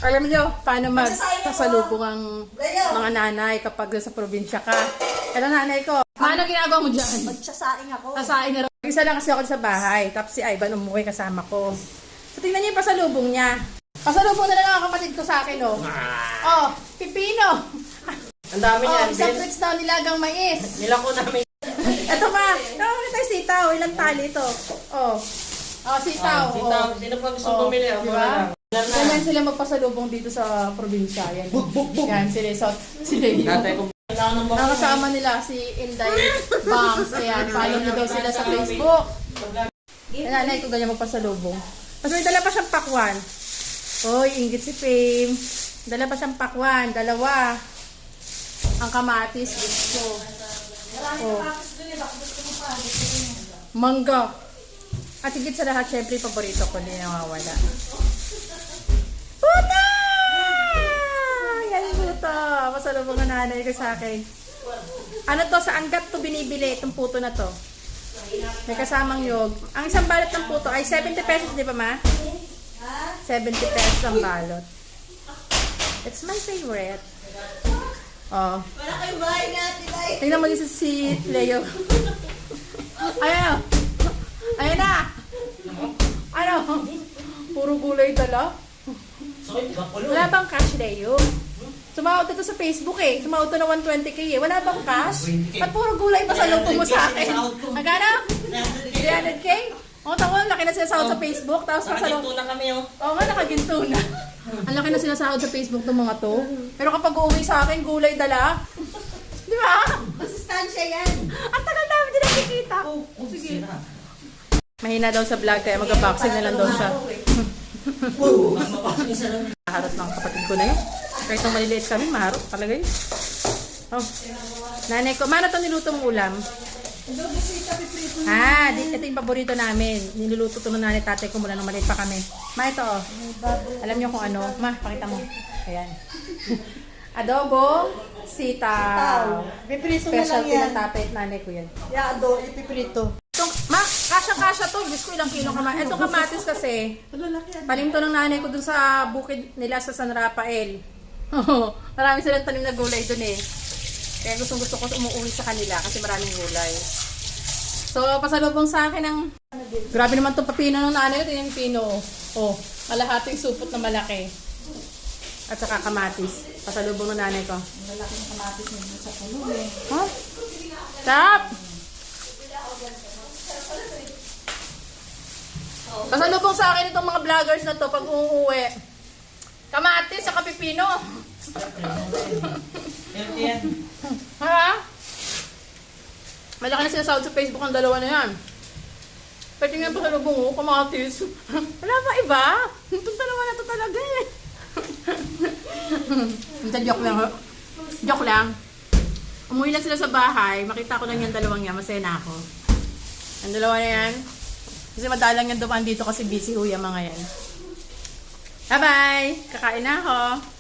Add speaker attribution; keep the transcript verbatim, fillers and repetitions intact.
Speaker 1: Alam niyo, paano magpasalubong ang mga nanay kapag nasa probinsya ka. Ito nanay ko. Paano ginagawa mo dyan?
Speaker 2: Magsasaing ako.
Speaker 1: Sasaing na rin. Isa lang kasi ako sa bahay. Tapos si Ivan umuwi kasama ko. So tingnan niyo yung pasalubong niya. Pasalubong na lang ang kapatid ko sa akin, oh. Oh, pipino.
Speaker 3: Ang dami niyan.
Speaker 1: Oh, isang plates daw nilagang mais.
Speaker 3: Nilako namin.
Speaker 1: Ito pa. Tawag tayo sitaw. Ilang tali ito? Oh. Oh, sitaw.
Speaker 3: Ah, sitaw.
Speaker 1: Oh.
Speaker 3: Sino pa gusto
Speaker 1: Oh,
Speaker 3: bumili? Ako
Speaker 1: diba?
Speaker 3: na lang.
Speaker 1: Ganyan sila magpasalubong dito sa probinsya. Yan. Yan, sila sa sila yun.
Speaker 3: Tatay ko.
Speaker 1: Ang kasama nila si Inday Bangs. Ayan, follow nyo daw sila sa Facebook. Ayan, nanay ko ganyan magpasalubong. Tapos may dala pa siyang pakwan. Oy, inggit si Fame. Dala pa siyang pakwan. Dalawa. Ang kamatis, gusto. Oh. Mangga. At higit sa lahat, syempre, paborito ko din nawawala. Puta! Yan puto. Masalubong ang nanay ko sa akin. Ano to? Sa anggat to binibili itong puto na to. May kasamang yog. Ang isang balot ng puto ay seventy pesos, di ba ma? seventy pesos ang balot. It's my favorite. Oh.
Speaker 2: Wala kayo bahay natin ay.
Speaker 1: Tingnan mo dito si Leo. Ayan. Ayan na. Ano? Puro gulay dala. Wala bang cash, Leo? Sumawad ito sa Facebook eh. Sumawad ito na one twenty K eh. Wala bang cash? Ba't puro gulay pa sa luto mo sa akin? Magkano? three hundred K? O, tawag, laki na sinasahod sa Facebook. Tapos pasalong...
Speaker 3: Nakaginto na kami, oh.
Speaker 1: Oo nga, nakaginto na. Ang laki na sinasahod sa Facebook ng mga to. Pero kapag uuwi sa akin, gulay dala. Di ba?
Speaker 2: Masustansya yan.
Speaker 1: Ang tagal namin din nakikita.
Speaker 3: Oh, sige.
Speaker 1: Mahina daw sa vlog, kaya mag-boxing na lang daw siya.
Speaker 3: Wow, mapapasok isa lang.
Speaker 1: Maharot ng kapatid ko na yun. Kahit nung maliliit kami, maharot talaga yun. Oh. Nanay ko, mana itong niluto mong ulam? Ah, di, ito yung paborito namin. Niluluto ito ng nanay tatay ko mula nung maliit pa kami. Ma, ito oh. Alam niyo kung ano? Ma, pakita mo. Ayan. Adobo, sitaw.
Speaker 2: Piprito na
Speaker 1: Special
Speaker 2: lang yan.
Speaker 1: pinatapit nanay ko yan.
Speaker 2: Yado, ipiprito.
Speaker 1: Itong, ma, kasya-kasya to. Diyos ko, ilang kilo kamatis. Itong kamatis kasi,
Speaker 2: Malalaki yan.
Speaker 1: tanim to ng nanay ko dun sa bukid nila sa San Rafael. Oo, marami silang tanim na gulay dun eh. Kaya gustong gusto ko umuwi sa kanila kasi maraming gulay. So, pasalubong sa akin ng... Grabe naman itong papino ng nanay ko. Ito yung pino. Oh, kalahating supot na malaki. At saka kamatis. Pasalubong ng nanay ko.
Speaker 2: Malaki ng kamatis nyo sa puno eh.
Speaker 1: Huh? Tap! Pasalubong sa akin itong mga vloggers na to pag uuwi. Kamatis sa pipino.
Speaker 3: Healthy yan.
Speaker 1: Ha? Malaki na sinasahod sa Facebook ang dalawa na yan. Pwede nga pasalubong mo, kamatis. Wala ba iba? Itong dalawa na to talaga eh. Ito, joke lang. Joke lang. Umuwi lang sila sa bahay. Makita ko lang yung dalawang yan. Masaya na ako. Ang dalawa na yan. Kasi madalang yan dumaan dito kasi busy ho yung mga yan. Bye-bye! Kakain na ako.